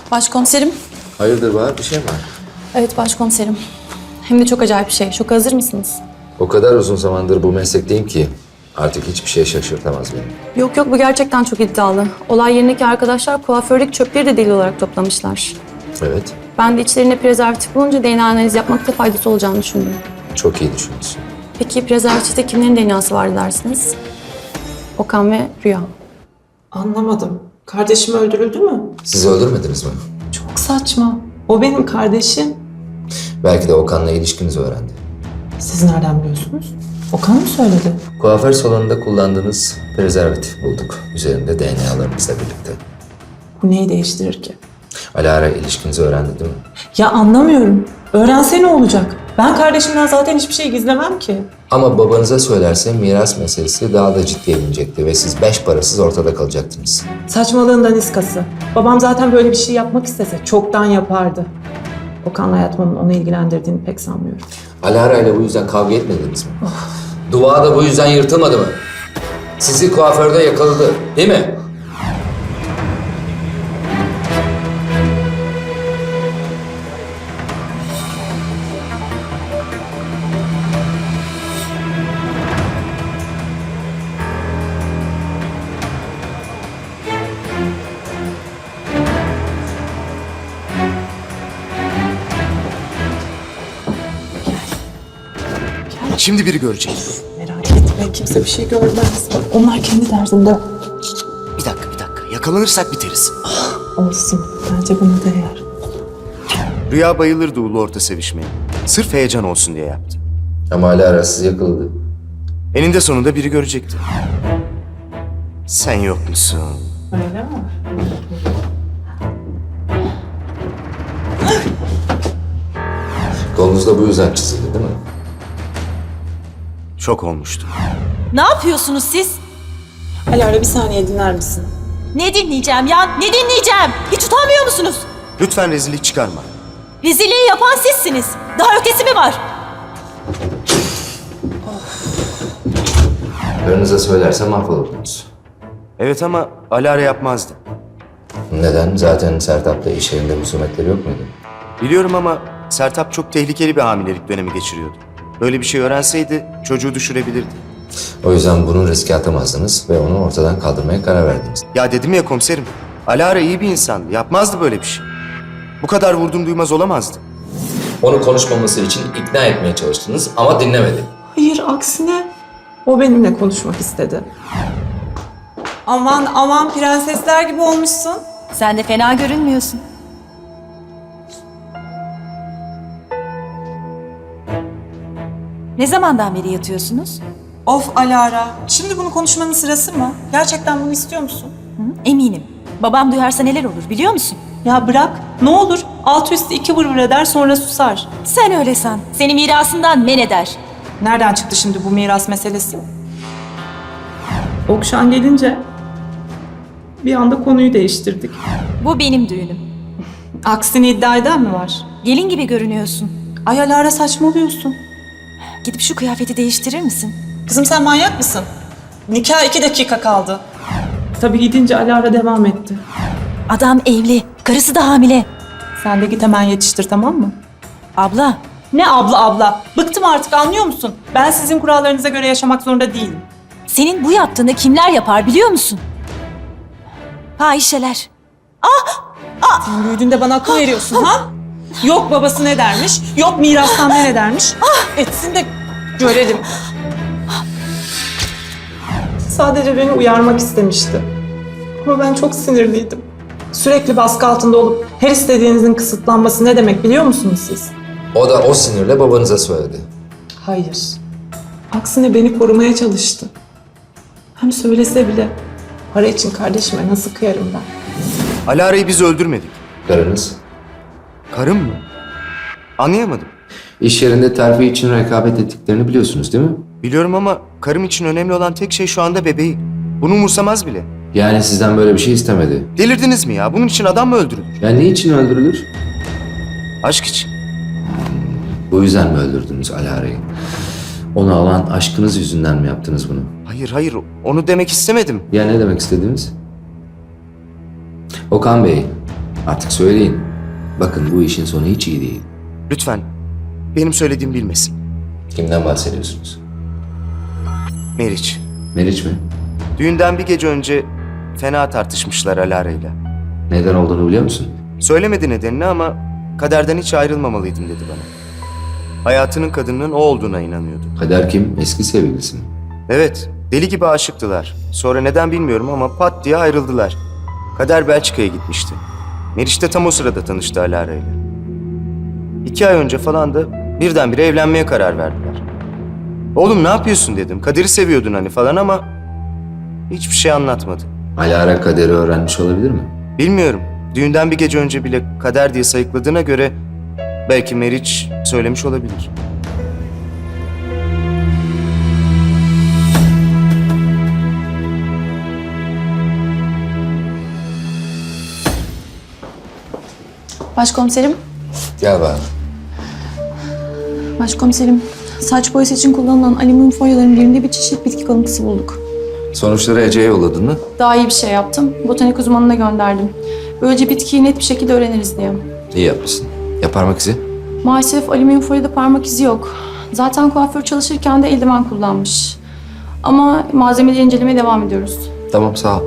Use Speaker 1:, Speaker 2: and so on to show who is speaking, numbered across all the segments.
Speaker 1: Başkomiserim.
Speaker 2: Hayırdır Bahar, bir şey mi var?
Speaker 1: Evet başkomiserim. Hem de çok acayip bir şey. Şoka hazır mısınız?
Speaker 2: O kadar uzun zamandır bu meslekteyim ki artık hiçbir şey şaşırtamaz beni.
Speaker 1: Yok bu gerçekten çok iddialı. Olay yerindeki arkadaşlar kuafördeki çöpleri de delil olarak toplamışlar.
Speaker 2: Evet,
Speaker 1: Ben de içlerinde prezervatif bulunca DNA analizi yapmakta faydası olacağını düşündüm.
Speaker 2: çok iyi düşünmüşsün.
Speaker 1: Peki prezervatifte kimlerin DNA'sı vardı dersiniz? Okan ve Rüya.
Speaker 3: Anlamadım. Kardeşim öldürüldü mü?
Speaker 2: Siz öldürmediniz mi?
Speaker 3: Çok saçma. O benim kardeşim.
Speaker 2: Belki de Okan'la ilişkinizi öğrendi.
Speaker 3: Siz nereden biliyorsunuz? Okan mı söyledi?
Speaker 2: Kuaför salonunda kullandığınız prezervatif bulduk. Üzerinde DNA'larımızla birlikte.
Speaker 3: Bu neyi değiştirir ki?
Speaker 2: Alara ilişkinizi öğrendi değil mi?
Speaker 3: Ya anlamıyorum. Öğrense ne olacak? Ben kardeşimden zaten hiçbir şey gizlemem ki.
Speaker 2: Ama babanıza söylerse miras meselesi daha da ciddiye binecekti ve siz beş parasız ortada kalacaktınız.
Speaker 3: Saçmalığın daniskası. Babam zaten böyle bir şey yapmak istese çoktan yapardı. Okan'la yatmanın onu ilgilendirdiğini pek sanmıyorum.
Speaker 2: Alara ile bu yüzden kavga etmediniz mi? Dua da bu yüzden yırtılmadı mı? Sizi kuaförde yakaladı, değil mi?
Speaker 4: Şimdi biri görecek.
Speaker 3: Merak etme, kimse bir şey görmez. Onlar kendi derdinde.
Speaker 4: Bir dakika. Yakalanırsak biteriz.
Speaker 3: Olsun, bence buna değer.
Speaker 4: Rüya bayılırdı ulu orta sevişmeye. Sırf heyecan olsun diye yaptı.
Speaker 2: Ama Alara sizi yakaladı.
Speaker 4: Eninde sonunda biri görecekti. Sen yok musun?
Speaker 3: Öyle mi?
Speaker 2: Kolunuz da bu yüzden çizildi değil mi?
Speaker 4: Şok olmuştu.
Speaker 5: Ne yapıyorsunuz siz?
Speaker 3: Alara bir saniye dinler misin?
Speaker 5: Ne dinleyeceğim ya? Ne dinleyeceğim? Hiç utanmıyor musunuz?
Speaker 4: Lütfen rezillik çıkarma.
Speaker 5: Rezilliği yapan sizsiniz. Daha ötesi mi var?
Speaker 2: Karınıza söylerse mahvolurdunuz.
Speaker 4: Evet ama Alara yapmazdı.
Speaker 2: Neden? Zaten Sertap'la iş yerinde husumetleri yok muydu?
Speaker 4: Biliyorum ama Sertap çok tehlikeli bir hamilelik dönemi geçiriyordu. Böyle bir şey öğrenseydi çocuğu düşürebilirdi.
Speaker 2: O yüzden bunu riske atamazdınız ve onu ortadan kaldırmaya karar verdiniz.
Speaker 4: Ya dedim ya komiserim. Alara iyi bir insandı. Yapmazdı böyle bir şey. Bu kadar vurdum duymaz olamazdı.
Speaker 2: Onu konuşmaması için ikna etmeye çalıştınız ama dinlemedi.
Speaker 3: Hayır, aksine o benimle konuşmak istedi. Aman prensesler gibi olmuşsun.
Speaker 5: Sen de fena görünmüyorsun. Ne zamandan beri yatıyorsunuz?
Speaker 6: Of Alara, şimdi bunu konuşmanın sırası mı? Gerçekten bunu istiyor musun?
Speaker 5: Eminim. Babam duyarsa neler olur biliyor musun?
Speaker 6: Ya bırak, ne olur. Alt üstü 2 vır eder sonra susar.
Speaker 5: Sen öyle san. Seni mirasından men eder.
Speaker 6: Nereden çıktı şimdi bu miras meselesi?
Speaker 3: Okşan gelince bir anda konuyu değiştirdik.
Speaker 5: Bu benim düğünüm.
Speaker 6: Aksini iddia eden mi var?
Speaker 5: Gelin gibi görünüyorsun.
Speaker 6: Ay Alara saçmalıyorsun.
Speaker 5: Gidip şu kıyafeti değiştirir misin?
Speaker 6: Kızım sen manyak mısın? Nikah 2 dakika kaldı.
Speaker 3: Tabii gidince Alara devam etti.
Speaker 5: Adam evli. Karısı da hamile.
Speaker 6: Sen de git hemen yetiştir, tamam mı?
Speaker 5: Abla,
Speaker 6: Ne abla? Bıktım artık, anlıyor musun? Ben sizin kurallarınıza göre yaşamak zorunda değilim.
Speaker 5: senin bu yaptığını kimler yapar biliyor musun? Fahişeler.
Speaker 6: Sen büyüdüğünde bana akıl veriyorsun ha? Yok babası ne dermiş, yok mirastan ne dermiş. Etsin de görelim.
Speaker 3: Sadece beni uyarmak istemişti. Ama ben çok sinirliydim. Sürekli baskı altında olup her istediğinizin kısıtlanması ne demek biliyor musunuz siz?
Speaker 2: O da o sinirle babanıza söyledi.
Speaker 3: Hayır. Aksine beni korumaya çalıştı. Hem söylese bile para için kardeşime nasıl kıyarım ben?
Speaker 4: Alara'yı biz öldürmedik.
Speaker 2: Karınız
Speaker 4: Karım mı? Anlayamadım.
Speaker 2: iş yerinde terfi için rekabet ettiklerini biliyorsunuz değil mi?
Speaker 4: Biliyorum ama karım için önemli olan tek şey şu anda bebeği. Bunu umursamaz bile.
Speaker 2: Yani sizden böyle bir şey istemedi.
Speaker 4: Delirdiniz mi ya? Bunun için adam mı öldürülür?
Speaker 2: Yani ne için öldürülür?
Speaker 4: Aşk için.
Speaker 2: Bu yüzden mi öldürdünüz Alara'yı? Onu alan aşkınız yüzünden mi yaptınız bunu?
Speaker 4: Hayır. Onu demek istemedim.
Speaker 2: Ya ne demek istediniz? Okan Bey, Artık söyleyin. Bakın bu işin sonu hiç iyi değil.
Speaker 4: Lütfen benim söylediğim bilmesin.
Speaker 2: Kimden bahsediyorsunuz?
Speaker 4: Meriç.
Speaker 2: Meriç mi?
Speaker 4: Düğünden bir gece önce fena tartışmışlar Alara'yla.
Speaker 2: Neden olduğunu biliyor musun?
Speaker 4: Söylemedi nedenini ama kaderden hiç ayrılmamalıydım dedi bana. Hayatının kadının o olduğuna inanıyordu.
Speaker 2: Kader kim? Eski sevgilisi mi?
Speaker 4: Evet, deli gibi aşıktılar. Sonra neden bilmiyorum ama pat diye ayrıldılar. Kader Belçika'ya gitmişti. Meriç de tam o sırada tanıştı Alara'yla. 2 ay önce falan da birdenbire evlenmeye karar verdiler. Oğlum ne yapıyorsun dedim. Kader'i seviyordun hani falan ama hiçbir şey anlatmadı.
Speaker 2: Alara Kader'i öğrenmiş olabilir mi?
Speaker 4: Bilmiyorum. Düğünden bir gece önce bile Kader diye sayıkladığına göre belki Meriç söylemiş olabilir.
Speaker 1: Başkomiserim,
Speaker 2: Gel bana.
Speaker 1: başkomiserim. Saç boyası için kullanılan alüminyum folyoların birinde bir çeşit bitki kalıntısı bulduk.
Speaker 2: Sonuçları Ece'ye yolladın mı?
Speaker 1: Daha iyi bir şey yaptım. Botanik uzmanına gönderdim. Böylece bitkiyi net bir şekilde öğreniriz diye.
Speaker 2: İyi yapmışsın. Ya parmak izi?
Speaker 1: Maalesef alüminyum folyoda parmak izi yok. Zaten kuaför çalışırken de eldiven kullanmış. Ama malzemeleri incelemeye devam ediyoruz.
Speaker 2: Tamam sağ ol.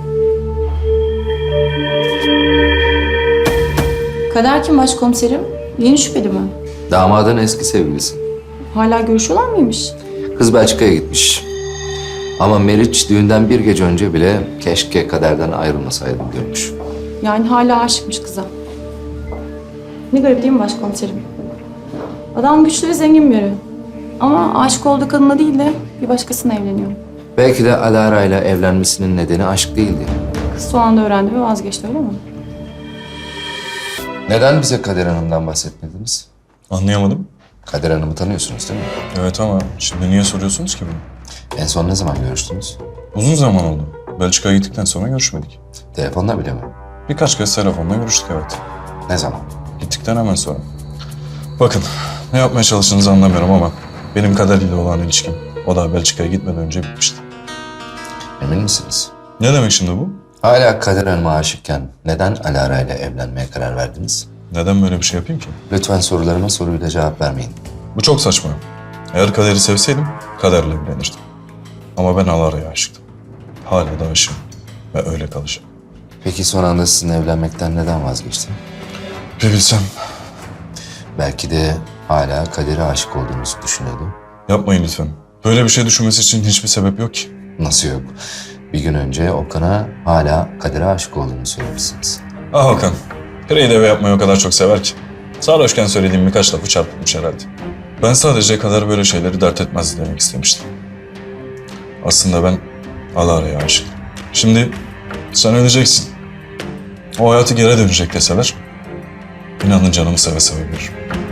Speaker 1: Kader kim başkomiserim? Yeni şüpheli mi?
Speaker 2: Damadın eski sevgilisi.
Speaker 1: Hala görüşüyorlar mıymış?
Speaker 2: Kız Belçika'ya gitmiş. Ama Meriç düğünden bir gece önce bile keşke Kader'den ayrılmasaydım diyormuş.
Speaker 1: Yani hala aşıkmış kıza. Ne garip değil mi başkomiserim? Adam güçlü ve zengin biri. Ama aşık olduğu kadına değil de bir başkasına evleniyor.
Speaker 2: Belki de Alara ile evlenmesinin nedeni aşk değildi.
Speaker 1: Kız son anda öğrendi ve vazgeçti öyle mi?
Speaker 2: Neden bize Kader Hanım'dan bahsetmediniz?
Speaker 7: Anlayamadım.
Speaker 2: Kader Hanım'ı tanıyorsunuz değil mi?
Speaker 7: Evet ama şimdi niye soruyorsunuz ki bunu?
Speaker 2: En son ne zaman görüştünüz?
Speaker 7: Uzun zaman oldu. Belçika'ya gittikten sonra görüşmedik.
Speaker 2: Telefonla bile mi?
Speaker 7: Birkaç kez telefonla görüştük evet.
Speaker 2: Ne zaman?
Speaker 7: Gittikten hemen sonra. Bakın ne yapmaya çalıştığınızı anlamıyorum ama benim Kader ile olan ilişkim o da Belçika'ya gitmeden önce bitmişti.
Speaker 2: Emin misiniz?
Speaker 7: Ne demek şimdi bu?
Speaker 2: Hala Kader Hanım'a aşıkken neden Alara ile evlenmeye karar verdiniz?
Speaker 7: Neden böyle bir şey yapayım ki?
Speaker 2: Lütfen sorularıma soruyla cevap vermeyin.
Speaker 7: Bu çok saçma. Eğer Kader'i sevseydim Kader'le evlenirdim. Ama ben Alara'ya aşıktım. Hala da aşığım ve öyle kalacağım.
Speaker 2: Peki son anda sizinle evlenmekten neden vazgeçtin?
Speaker 7: Bir bilsem.
Speaker 2: Belki de hala Kader'e aşık olduğunuzu düşünüyordu.
Speaker 7: Yapmayın lütfen. Böyle bir şey düşünmesi için hiçbir sebep yok ki.
Speaker 2: Nasıl yok? Bir gün önce Okan'a hala Kader'e aşık olduğunu söylemişsiniz.
Speaker 7: Ah Okan, pireyi de eve yapmayı o kadar çok sever ki. Sarhoşken söylediğim birkaç lafı çarpıtmış herhalde. Ben sadece Kader böyle şeyleri dert etmezdi demek istemiştim. Aslında ben Alara'ya aşık. Şimdi sen öleceksin. O hayatı geri dönecek deseler, inanın canımı seve seve veririm.